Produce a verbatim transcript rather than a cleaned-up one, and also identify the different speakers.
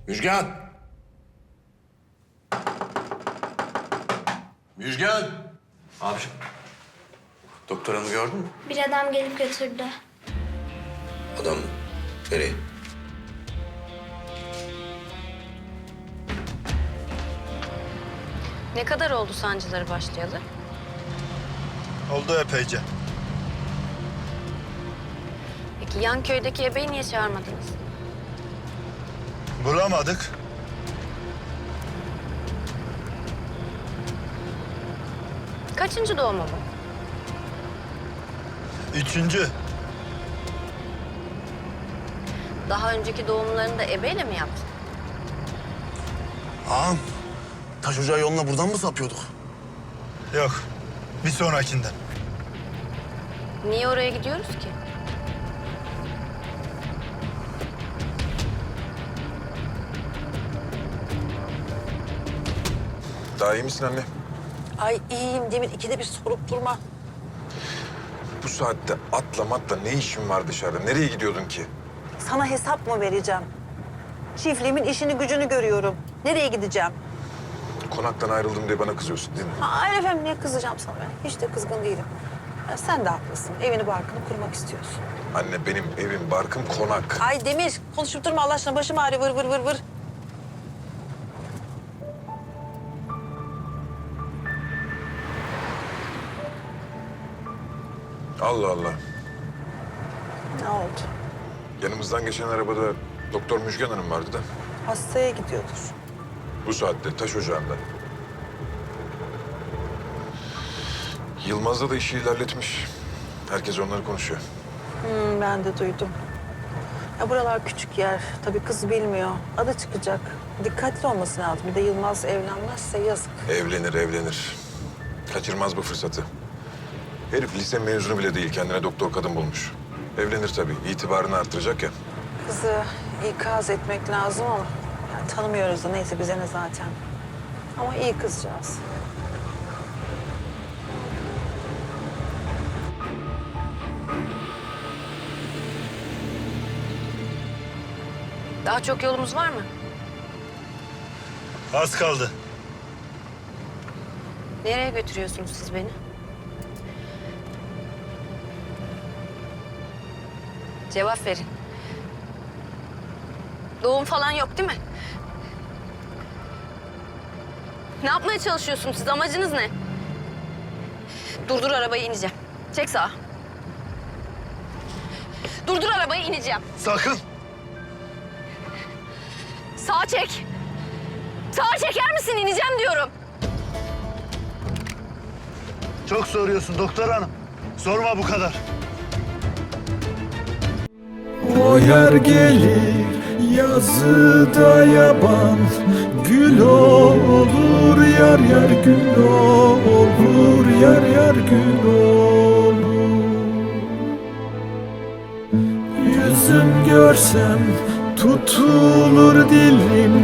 Speaker 1: Müjgan! Müjgan!
Speaker 2: Abiciğim.
Speaker 1: Doktor hanımı gördün mü?
Speaker 3: Bir adam gelip götürdü.
Speaker 1: Adam mı? Nereye?
Speaker 4: Ne kadar oldu sancıları başlayalı?
Speaker 5: Oldu epeyce.
Speaker 4: Peki yan köydeki ebeyi niye çağırmadınız?
Speaker 5: Bulamadık.
Speaker 4: Kaçıncı doğumu bu?
Speaker 5: Üçüncü.
Speaker 4: Daha önceki doğumlarını da ebeyle mi yaptın?
Speaker 2: Ağam, taş ocağı yoluna buradan mı sapıyorduk?
Speaker 5: Yok. Bir sonrakinden.
Speaker 4: Niye oraya gidiyoruz ki?
Speaker 6: Daha iyi misin anne?
Speaker 7: Ay iyiyim Demir. İkide bir sorup durma.
Speaker 6: Bu saatte atla matla ne işin var dışarıda? Nereye gidiyordun ki?
Speaker 7: Sana hesap mı vereceğim? Çiftliğimin işini gücünü görüyorum. Nereye gideceğim?
Speaker 6: Konaktan ayrıldım diye bana kızıyorsun değil mi?
Speaker 7: Hayır efendim, niye kızacağım sana ben? Hiç de kızgın değilim. Ya sen de haklısın. Evini barkını kurmak istiyorsun.
Speaker 6: Anne benim evim, barkım konak.
Speaker 7: Ay Demir, konuşup durma Allah aşkına. Başım ağrıyor, vır vır vır vır.
Speaker 6: Allah Allah.
Speaker 7: Ne oldu?
Speaker 6: Yanımızdan geçen arabada Doktor Müjgan Hanım vardı da.
Speaker 7: Hastaya gidiyordur.
Speaker 6: Bu saatte taş ocağında. Yılmaz'da da işi ilerletmiş. Herkes onları konuşuyor.
Speaker 7: Hmm, ben de duydum. Ya buralar küçük yer. Tabii kız bilmiyor. Adı çıkacak. Dikkatli olması lazım. Bir de Yılmaz evlenmezse yazık.
Speaker 6: Evlenir, evlenir. Kaçırmaz bu fırsatı. Herif lise mezunu bile değil. Kendine doktor kadın bulmuş. Evlenir tabii. İtibarını artıracak ya.
Speaker 7: Kızı ikaz etmek lazım ama yani tanımıyoruz da neyse bize ne zaten. Ama iyi kızcağız.
Speaker 4: Daha çok yolumuz var mı?
Speaker 5: Az kaldı.
Speaker 4: Nereye götürüyorsunuz siz beni? Cevap verin. Doğum falan yok değil mi? Ne yapmaya çalışıyorsunuz siz? Amacınız ne? Durdur arabayı, ineceğim. Çek sağa. Durdur arabayı, ineceğim.
Speaker 2: Sakın!
Speaker 4: Sağa çek. Sağa çeker misin? İneceğim diyorum.
Speaker 5: Çok soruyorsun doktor hanım. Sorma bu kadar.
Speaker 8: O yer gelir yazıda yaban, gül olur yar yar gül olur yar yar gül olur. Yüzüm görsem tutulur dilim.